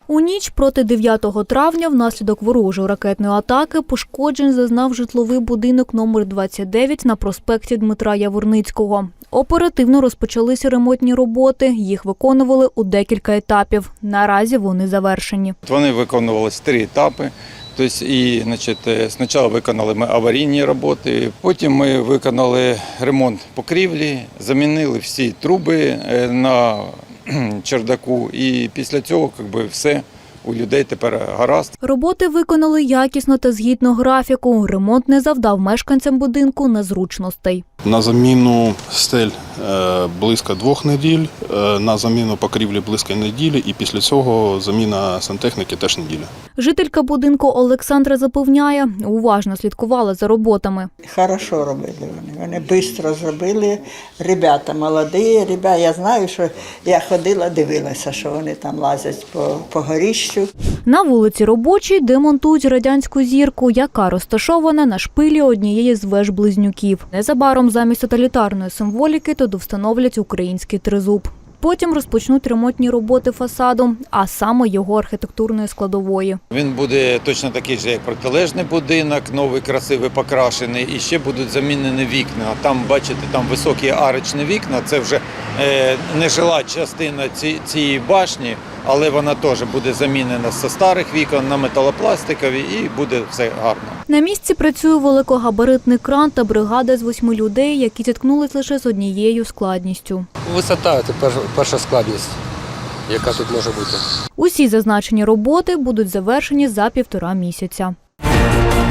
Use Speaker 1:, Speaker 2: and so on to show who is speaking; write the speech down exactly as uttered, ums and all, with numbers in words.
Speaker 1: У ніч проти дев'ятого травня внаслідок ворожої ракетної атаки пошкоджень зазнав житловий будинок номер двадцять дев'ять на проспекті Дмитра Яворницького. Оперативно розпочалися ремонтні роботи. Їх виконували у декілька етапів. Наразі вони завершені.
Speaker 2: Вони виконувалися три етапи. Тобто, і, значить, спочатку виконали ми аварійні роботи, потім ми виконали ремонт покрівлі, замінили всі труби на чердаку, і після цього якби, все у людей тепер гаразд.
Speaker 1: Роботи виконали якісно та згідно графіку. Ремонт не завдав мешканцям будинку незручностей.
Speaker 3: На заміну стель близько двох неділь, на заміну покрівлі близько неділі і після цього заміна сантехніки теж неділя.
Speaker 1: Жителька будинку Олександра запевняє, уважно слідкувала за роботами.
Speaker 4: Хорошо робили вони, вони швидко зробили, ребята молоді, ребята, я знаю, що я ходила, дивилася, що вони там лазять по, по горіщу.
Speaker 1: На вулиці Робочій демонтують радянську зірку, яка розташована на шпилі однієї з веж-близнюків. Незабаром замість тоталітарної символіки туди встановлять український тризуб. Потім розпочнуть ремонтні роботи фасаду, а саме його архітектурної складової.
Speaker 2: Він буде точно такий же, як протилежний будинок, новий, красивий, покрашений. І ще будуть замінені вікна. Там, бачите, там високі арочні вікна. Це вже е, нежила частина ці, цієї башні, але вона теж буде замінена зі старих вікон на металопластикові і буде все гарно.
Speaker 1: На місці працює великогабаритний кран та бригада з восьми людей, які зіткнулись лише з однією складністю.
Speaker 5: Висота – це перша складність, яка тут може бути.
Speaker 1: Усі зазначені роботи будуть завершені за півтора місяця.